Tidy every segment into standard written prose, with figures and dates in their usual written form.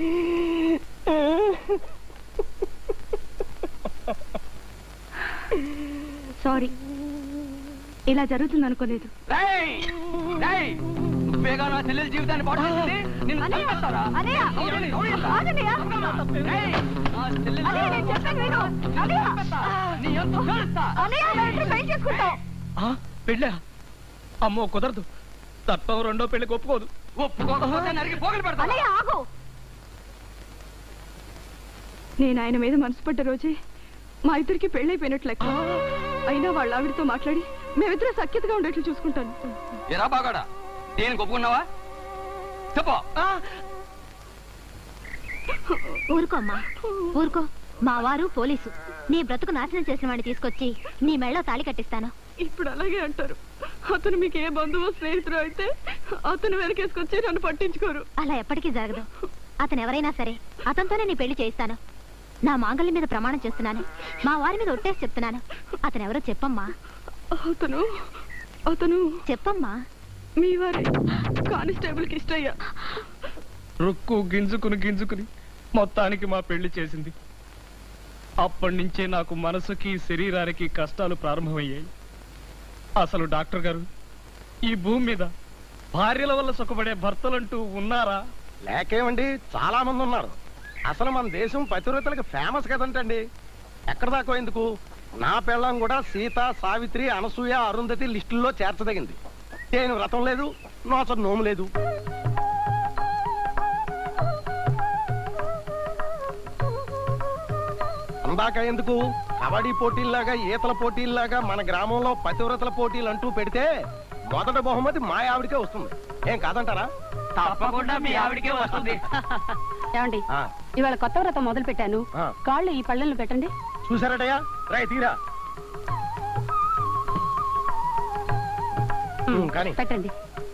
Sorry, ఇలా జరుగుతుంది అనుకోలేదు. నువ్వేగా నా చెల్లెల జీవితాన్ని పాడు చేసింది. నిన్ను చంపేస్తారా? పెళ్ళా? అమ్మో కుదరదు. తప్ప రెండో పెళ్లికి ఒప్పుకోదు. ఒప్పుకోకపోతే నరికి పోగలు పెడతా. నేను ఆయన మీద మనసు పడ్డ రోజే మా ఇద్దరికి పెళ్ళైపోయినట్లు లెక్క. అయినా వాళ్ళ ఆవిడతో మాట్లాడి మేమిద్దరం సఖ్యతగా ఉండేట్లు చూసుకుంటాను. ఎరా బాగాడా, నేను ఒప్పుకున్నావా? చెప్పు. ఊరుకో అమ్మా, ఊరుకో. మా వారు పోలీసు. నీ బ్రతుకు నాశనం చేసిన వాడిని తీసుకొచ్చి నీ మెళ్ళో తాళి కట్టిస్తాను. ఇప్పుడు అలాగే అంటారు. అతను మీకు ఏ బంధువు స్నేహితుడు అయితే అతను వెనకేసుకొచ్చి నన్ను పట్టించుకోరు. అలా ఎప్పటికీ జరగదు. అతను ఎవరైనా సరే అతనితోనే నీ పెళ్లి చేయిస్తాను. నా మాంగళ్యం మీద ప్రమాణం చేస్తున్నాను. మా వారి మీద ఒట్టేసి చెప్తున్నాను. అతను ఎవరో చెప్పమ్మా. అతను చెప్పమ్మా. మీ వారి కానిస్టేబుల్ కి ఇష్టయ్యా. రుక్కు గింజుకుని మొత్తానికి మా పెళ్లి చేసింది. అప్పటి నుంచే నాకు మనసుకి శరీరానికి కష్టాలు ప్రారంభమయ్యాయి. అసలు డాక్టర్ గారు, ఈ భూమి మీద భార్యల వల్ల సుఖపడే భర్తలంటూ ఉన్నారా? లేకేమండి, చాలా మంది ఉన్నారు. అసలు మన దేశం పతివ్రతలకు ఫేమస్ కదంటండి. ఎక్కడ దాకా ఎందుకు, నా పెళ్ళం కూడా సీత, సావిత్రి, అనసూయ, అరుంధతి లిస్టుల్లో చేర్చదగింది. నేను వ్రతం లేదు, నోచ నోము లేదు. అందాక ఎందుకు, కబడ్డీ పోటీల్లాగా, ఈతల పోటీల్లాగా మన గ్రామంలో పతివ్రతల పోటీలు అంటూ పెడితే మొదటి బహుమతి మా ఆవిడికే వస్తుంది. ఏం కాదంటారా? తప్పకుండా మీ ఆవిడికే వస్తుంది. ఏమండి, ఇవాళ కొత్త వ్రతం మొదలు పెట్టాను. కాళ్ళు ఈ పళ్ళల్లో పెట్టండి. చూసారటయ్యా, రాయి తీరా కానీ పెట్టండి.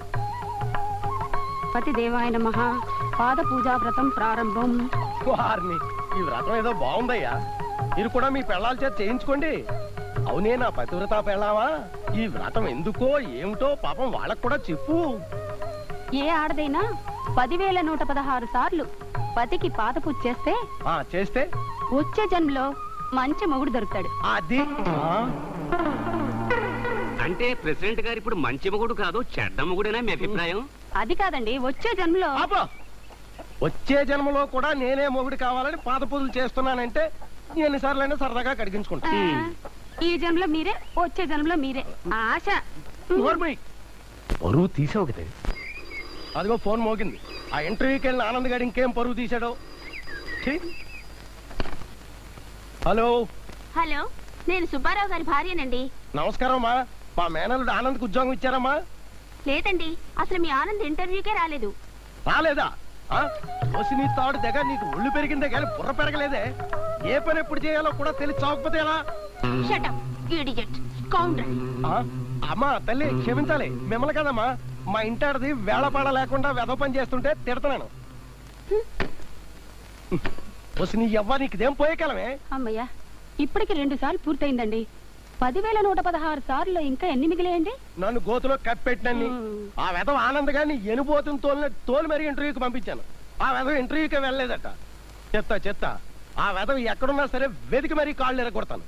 పతి దేవాయ నమః. పాద పూజా వ్రతం ప్రారంభం. వారిని, ఈ వ్రతం ఏదో బాగుందయ్యా. మీరు కూడా మీ పెళ్ళాల చేత చేయించుకోండి. అవునే నా పతివ్రత పెళ్ళావా, ఈ వ్రతం ఎందుకో ఏమిటో పాపం వాళ్ళకు కూడా చెప్పు. ఏ ఆడదైనా 10,116 సార్లు పతికి పాద పూజ చేస్తే చేస్తే వచ్చే జన్మలో మంచి మొగుడు దొరుకుతాడు. అది అంటే ప్రెసిడెంట్ గారు ఇప్పుడు మంచి మొగుడు కాదు, చెడ్డ మొగుడేనా మీ అభిప్రాయం? అది కాదండి, వచ్చే జన్మలో. వచ్చే జన్మలో కూడా నేనే మొగుడు కావాలని పాద పూజలు చేస్తున్నానంటే ఎన్నిసార్లైనా సరదాగా కడిగించుకుంటా. ఈ జన్మలో మీరే, వచ్చే జన్మలో మీరే. ఆశ. పరువు తీసావు కదా. అదిగో ఫోన్ మోగింది. ఆ ఇంటర్వ్యూకి వెళ్ళిన ఆనంద్ గారు ఇంకేం పరువు తీశాడో. హలో. హలో, నేను సుబ్బారావు గారి భార్యనండి. నమస్కారం మా మేనల్లుడు ఆనంద్కి ఉద్యోగం ఇచ్చారమ్మా? లేదండి, అసలు మీ ఆనంద్ ఇంటర్వ్యూకే రాలేదు. రాలేదా? నీ తాడు దగ్గర నీకు ఒళ్ళు పెరిగిందే కానీ బుర్ర పెరగలేదే. ఏ పని ఎప్పుడు చేయాలో కూడా తెలిసి చావకపోతే ఎలా? అమ్మా తల్లి క్షమించాలి, మిమ్మల్ని కదమ్మా. మా ఇంటాడది వేళపాడ లేకుండా వెధ పని చేస్తుంటే తిడతాను. నీ ఎవ్వ నీకుదేం పోయే కాలమే. అమ్మయ్యా, ఇప్పటికి 2 సార్లు పూర్తయిందండి. 10,116 సార్లు ఇంకా ఎన్ని మిగిలేయండి? నన్ను గోతులో కప్పెట్టినన్ని. ఆ వెధవ ఆనంద్ గారిని ఎనుబోతుని తోలు మరి ఇంటర్వ్యూకి పంపించాను. ఆ వెధవ ఇంటర్వ్యూకి వెళ్ళలేదట. చెత్త ఆ వెధవ ఎక్కడున్నా సరే వెతికి మరీ కాళ్ళు ఎరగొడతాను.